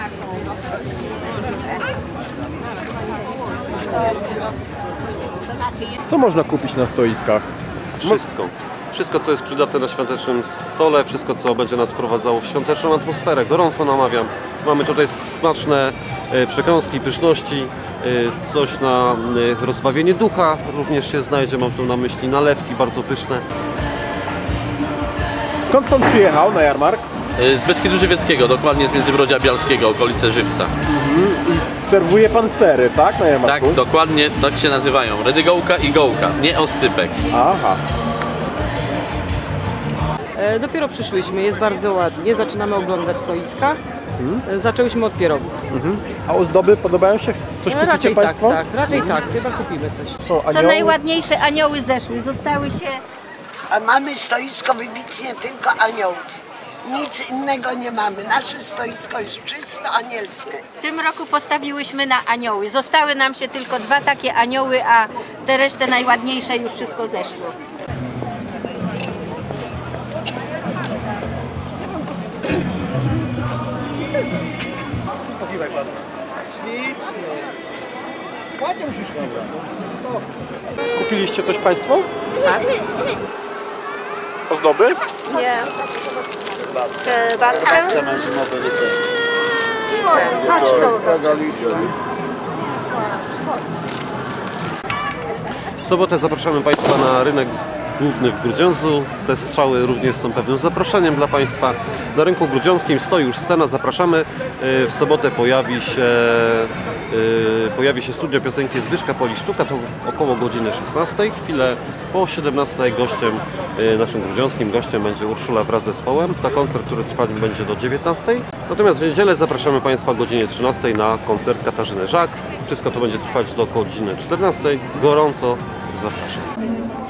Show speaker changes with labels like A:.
A: Co można kupić na stoiskach?
B: Wszystko. Wszystko, co jest przydatne na świątecznym stole, wszystko, co będzie nas wprowadzało w świąteczną atmosferę. Gorąco namawiam. Mamy tutaj smaczne przekąski, pyszności, coś na rozbawienie ducha również się znajdzie. Mam tu na myśli nalewki bardzo pyszne.
A: Skąd pan przyjechał na jarmark?
C: Z Beskidu Żywieckiego, dokładnie z Międzybrodzia Bialskiego, okolice Żywca.
A: I serwuje pan sery, tak? Na jarmarku?
C: Tak, dokładnie tak się nazywają. Redygołka i gołka, nie oscypek.
A: Aha.
D: Dopiero przyszłyśmy, jest bardzo ładnie, zaczynamy oglądać stoiska. Zaczęłyśmy od pierogów.
A: A ozdoby podobają się? Coś kupicie
D: Raczej tak,
A: państwo?
D: tak, raczej tak, chyba kupimy coś.
A: Są
E: Co
A: anioły?
E: najładniejsze, anioły zeszły, zostały się...
F: A mamy stoisko wybitnie tylko aniołów. Nic innego nie mamy. Nasze stoisko jest czysto anielskie.
E: W tym roku postawiłyśmy na anioły. Zostały nam się tylko 2 takie anioły, a te resztę najładniejsze już wszystko zeszło.
A: Kupiliście coś państwo? Tak. Ozdoby?
G: Nie. Batkę? Chodź, co?
B: W sobotę zapraszamy Państwa na rynek główny w Grudziądzu. Te strzały również są pewnym zaproszeniem dla Państwa. Na rynku grudziąckim stoi już scena, zapraszamy. W sobotę pojawi się studio piosenki Zbyszka Poliszczuka, to około godziny 16. Chwilę po 17 naszym grudziąckim gościem będzie Urszula wraz z zespołem. To koncert, który trwać będzie do 19. Natomiast w niedzielę zapraszamy Państwa o godzinie 13 na koncert Katarzyny Żak. Wszystko to będzie trwać do godziny 14. Gorąco zapraszam.